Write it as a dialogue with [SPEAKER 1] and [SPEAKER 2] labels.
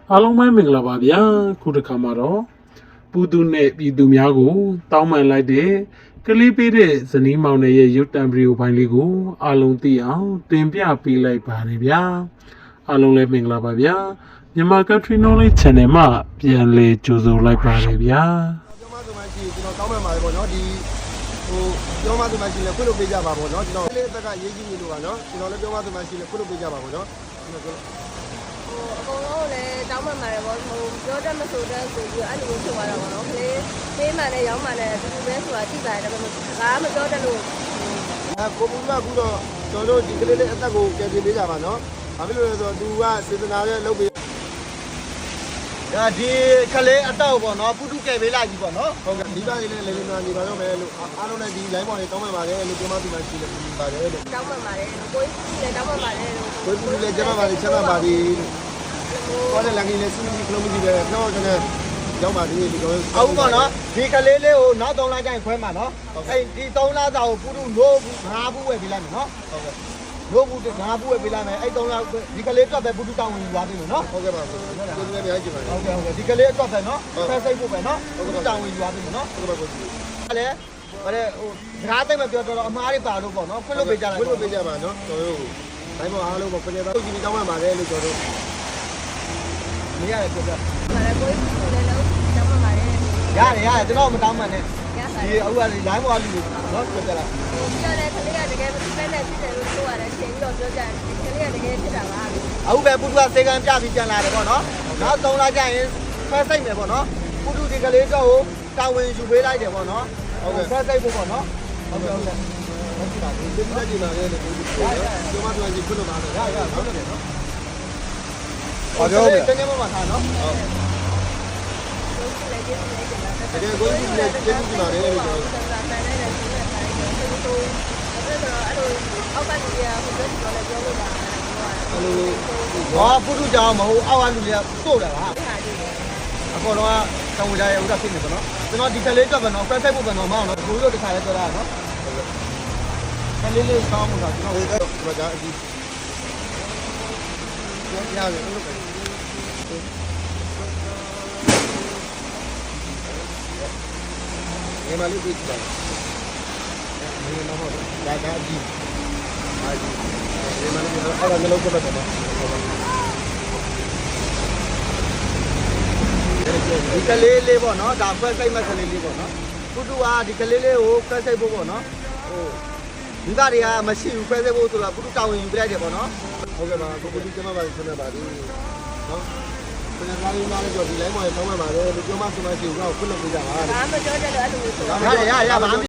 [SPEAKER 1] အားလုံးပဲမင်္ဂလာပါဗျာခုတစ်ခါမှာတော့ပူသူနဲ့ပြည်သူများကိုတောင်းပန်လိုက်တဲ့ကလေးပေးတဲ့ဇနီးမောင်နှံရဲ့ရုပ်တံဗီဒီယိုဖိုင်လေးကိုအားလုံးသိအောင်တင်ပြပေးလိုက်ပါတယ်ဗျာအားလုံးလည်းမင်္ဂလာပါဗျာမြန်မာ Country Knowledge Channel မှာပြန်လည်ကြိုဆိုလိုက်ပါတယ်ဗျာ
[SPEAKER 2] ပြောမှဆိုမှရှိကျွန်တော်တောင်းပန်ပါတယ်ပေါ့နော်ဒီပြောမှဆိုမှရှိလဲခွင့်လို့ပေးကြပါပေါ့နော်ကျွန်တော်လေးအသက်ကရေးကြီးနေလို့ပါနော်ကျွန်တော်လည်းပြောမှဆိုမှရှိလဲခွင့်လို့ပေးကြပါပေါ့နော်
[SPEAKER 3] အကုန်လုံးလည်းတောင်းပန်ပါတယ်ပေါ့ပြောတတ်မဆိုတတ်ဆိုပြီးအဲ့လိုဖြစ်သွားတာပေါ့နော်ကလေးပေးမှလည်းရောင်းမှလည်းအတူတူပဲဆိုတာသိပါတယ်ဒါပေမဲ့ဒါကမပြောတတ်လို့
[SPEAKER 2] ကိုပူကအခုတော့ကျွန်တော်တို့ဒီကလေးလေးအသက်ကိုကယ်တင်ပေးကြပါနော်ဘာဖြစ်လို့လဲဆိုတော့သူကစေတနာနဲ့လုပ်ပေးဒါဒီကလေးအတော့ပေါ့နော်ပုတုကယ်ပေးလိုက်ပြီပေါ့နော်ဟုတ်ကဲ့ဒီပါလေးလည်းလေးနေပါတော့မယ်လို့အားလုံးလည်းဒီ line ပေါ်လေးတောင်းပန်ပါတယ်လို့ပြောမှသူမှရှိတယ်ပြီးပါတယ်လို့
[SPEAKER 3] တောင်းပန်ပါတယ်ကိုယ်လည်းတောင်းပန်ပါတယ်လို့
[SPEAKER 2] ကိုပုလည်းကျမပါလေးချက်ပါပါဒီဟောတယ်လည်းလည်းစူးစီးကလုံးမကြီးပဲတော့ကျွန်တော်ရောက်ပါသေးတယ်ဒီတော့အခုပေါ့နော်ဒီကလေးလေးကိုနောက်3လကျရင်ခွဲမှာနော်အဲ့ဒီ3လစာကိုပုတုလို့5ဘူးဝယ်ပေးလိုက်မယ်နော်ဟုတ်ကဲ့လို့ဘူး5ဘူးဝယ်ပေးလိုက်မယ်အဲ့3လဒီကလေးအတွက်ပဲပုတုတောင်းဝင်ယူသွားပြီလို့နော်ဟုတ်ကဲ့ပါဒီကလေးလည်းများကြည့်ပါဟုတ်ကဲ့ဟုတ်ကဲ့ဒီကလေးအတွက်ပဲနော်ဖက်စိတ်ဖို့ပဲနော်ပုတုတောင်းဝင်ယူသွားပြီနော်ဟုတ်ကဲ့ပါကိုအဲ့လေအဲ့ဟိုစကားသိမပြောတော့အမားတွေပါလို့ပေါ့နော်ခွင့်လို့ပေးကြလိုက်ခွင့်လို့ပေးကြပါနော်ကျွန်တော်တို့ဘိုင်းပေါ်အားလုံးပေါ့ခဏတော့ဒီတောင်းမှပါတယ်လို့ကျွန်တော်တို့မရတယ်ပြောပြ
[SPEAKER 3] ပါတယ်ကိုယ်လည်းလုံးတောင်းပန်ပါတယ်
[SPEAKER 2] ရတယ်ကျွန်တော်မတောင်းမှနဲ့ဒီအခုက line ပေါ်လူနော်ပြောပြလိုက်
[SPEAKER 3] ပြောတယ်ကလေးကတကယ်ပဲနဲ့ဖြစ်တယ်လို့ပြောရတယ်ချိန်ပြီးတော့ပြောကြတယ်ကလေးကတကယ်ဖြစ်တာပါ
[SPEAKER 2] အခုပဲပုထုကစေကံပြပြီးပြန်လာတယ်ပေါ့နော်နောက်3လကျရင်ဖက်စိတ်မယ်ပေါ့နော်ပုထုဒီကလေးတော့တာဝန်ယူပေးလိုက်တယ်ပေါ့နော်ဟုတ်ကဲ့ဖက်စိတ်ဖို့ပေါ့နော်ဟုတ်ကဲ့ဟုတ်ကဲ့ဟုတ်ကဲ့ပါဒီပြည့်ကြည့်ပါလေဒီကျွန်မတို့ကကြည့်လို့ပါတယ်ရဟုတ်တယ်နော်ဟုတ်ကဲ့တကယ်မှမထားနော်ဟုတ်တကယ်ကိုကြီးလည်းကျေးဇူးတင်ပါတယ်လို့ပြောတယ်
[SPEAKER 3] အောက်ကလူတွေကဟိုပြောတယ်ပြောလို့ပါ
[SPEAKER 2] အဲ့လိုဟာပုထုကြောင်မဟုတ်အောက်ကလူတွေကပို့တာပါအပေါ်တော့တောင်းဝကြရဲ့ဥဒ္ဒဖြစ်နေပေါ့နော်ကျွန်တော်ဒီကလေးတော့ပဲနော်ဖက်ဖက်ဖို့ပဲနော်မအောင်နော်ကိုတို့တခါလဲပြောတာနော်ကလေးလေးကောင်းမှာကျွန်တော်ဝေတော့ဒီမှာအကြီးရတယ်လို့ပဲဒီမှာလေးပြီးကြတယ်ဒီမှာတော့ဒါကအကြီးဒီမှာလည်းအဲ့ဒါမျိုးလုပ်တော့တယ်နော်ဒီကလေးလေးပေါ့နော်ဒါခွဲစိတ်မဲ့ကလေးလေးပေါ့နော်ပုတူကဒီကလေးလေးကိုခွဲစိတ်ဖို့ပေါ့နော်ဟိုဒီကတွေကမရှိဘူးခွဲစိတ်ဖို့ဆိုတာပုတူတောင်းဝင်ယူပြလိုက်တယ်ပေါ့နော်ဟုတ်ကဲ့ပါကိုပုတူကျမပါဆင်းနေပါပြီနော်ခဏသားလေးနားလေးကြော်ဒီလိုင်းပေါ်တောင်းမှပါတယ်လို့ပြောမှဆိုမှရှိဘူးတော့ခွင့်လို့ပြကြပါ
[SPEAKER 3] ဒါမှမပြောတတ်တော့အဲ့လိုဆို
[SPEAKER 2] ရပါ